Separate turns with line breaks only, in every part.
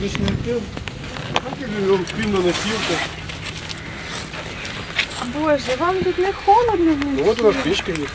Отличный фильм. Спим на носилках.
Боже, вам тут не холодно?
Ну, вот у нас печка есть.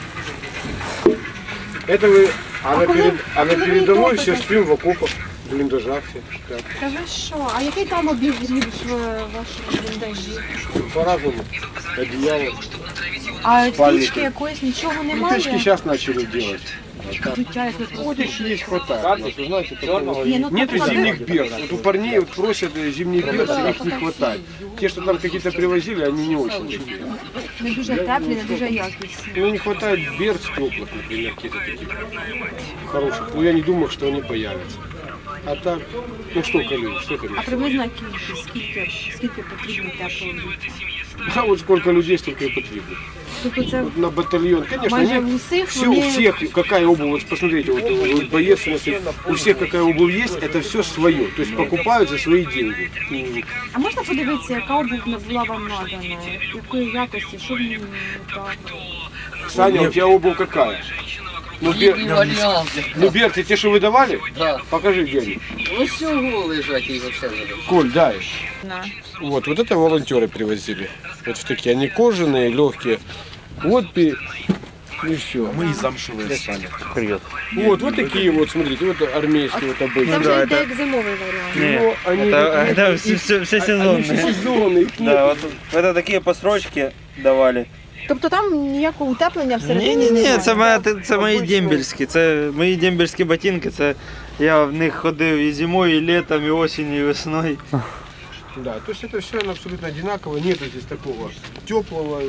Это вы, а на передовой все спим в окопах, в блиндажах все. Так.
Та ви що? А який там обігрів в вашому бліндажі?
По-разному. Одеяло.
А
Спальники.
пічки якоїсь нічого
Ну,
немає?
печки сейчас начали делать.
Життя як ви
Ходишь, есть, хватает. Вы знаете, такого.
Не, ну
Нету
так,
зимних берц. Вот у парней вот просят зимние берцы, их не хватает. Те, что там какие-то привозили, они не очень.
не дуже теплі, не дуже якісні.
Ну, не хватает берц теплых, например, каких-то таких хороших. Ну, я не думаю, что они появятся. А так, ну что колючь, что
А
колючь?
приблизно кількість, скільки потрібно теплого взуття?
А вот сколько людей, столько и потребует.
Тобто це
Вот на батальон, конечно,
майже
они,
в усіх
все, у всех какая обувь, вот посмотрите, вот боец, у всех какая обувь есть, это все свое, то есть покупают за свои деньги.
А можна подивитися, яка обув була вам надана? Якої якості? Що в ній не так?
Саня, у тебя обувь какая? Ну, берцы, те, что вы давали?
Да.
Покажи, где они.
Ну всего лежать и вообще забыть.
Коль, дай.
На.
Вот это волонтеры привозили. Вот в такие, они кожаные, легкие. Вот и все.
Мы из замшевые стали. Привет.
Вот такие вот, смотрите, вот армейские вот обычные.
Це вже йде як зимовий варіант.
Ну, они,
Это все
они все
сезонные.
сезонные. их
Да,
нет.
вот это такие построчки давали.
Тобто там ніякого утеплення всередині
Ні,
немає?
це мої дембельські. Це мої дембельські ботинки. Це я в них ходив і зимою, і літом, і осінню, і весною.
Да, то есть это все абсолютно одинаково, нету здесь такого теплого.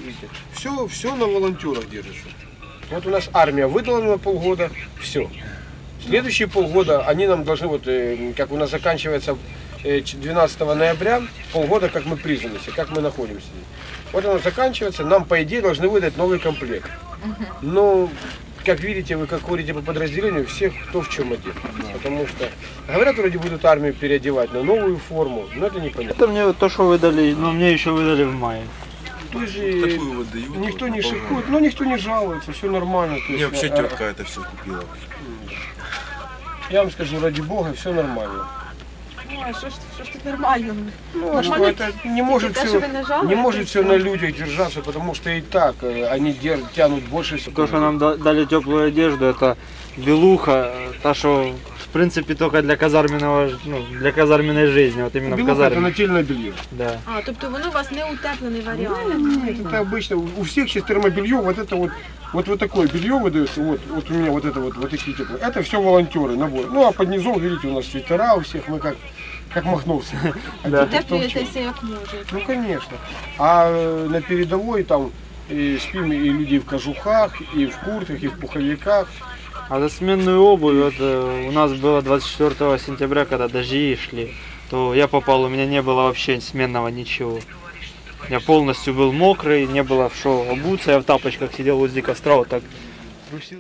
Все на волонтерах держится. Вот у нас армия выдала на полгода, все. Следующие полгода они нам должны, вот как у нас заканчивается 12 ноября, полгода как мы призвались, как мы находимся. Вот оно заканчивается, нам по идее должны выдать новый комплект. Но, как видите, вы как ходите по подразделению, всех кто в чем одет. Потому что, говорят, вроде будут армию переодевать на новую форму, но это непонятно.
Это мне то, что выдали, но мне еще выдали в мае.
То есть, никто не шикует, но никто не жалуется, все нормально. То есть,
вообще тетка это все купила.
Я вам скажу, ради бога, все нормально.
Ой, що ж тут нормально?
Ну, а что это не может
Те,
все,
що ви не жалуєтесь,
не может все на людях держаться, потому что и так они тянут больше всего.
То, что нам дали теплую одежду, это белуха, та, что в принципе только для казарменного, ну, для казарменной жизни, вот именно в
Белуха — это
казарме.
нательное белье.
Да.
А, тобто воно у вас не утеплений варіант?
Нет, это обычно, у всех сейчас термобелье, вот такое белье выдается, вот у меня вот это вот такие теплые. Это все волонтеры, набор. Ну а под низом, видите, у нас свитера у всех, мы как махновцы.
Да.
Утеплюєтеся як можете.
Ну конечно. А на передовой там спим и люди в кожухах, и в куртках, и в пуховиках.
А за сменную обувь, вот, у нас было 24 сентября, когда дожди шли, то я попал, у меня не было вообще сменного ничего. Я полностью был мокрый, не было в что обуться, я в тапочках сидел возле костра, вот так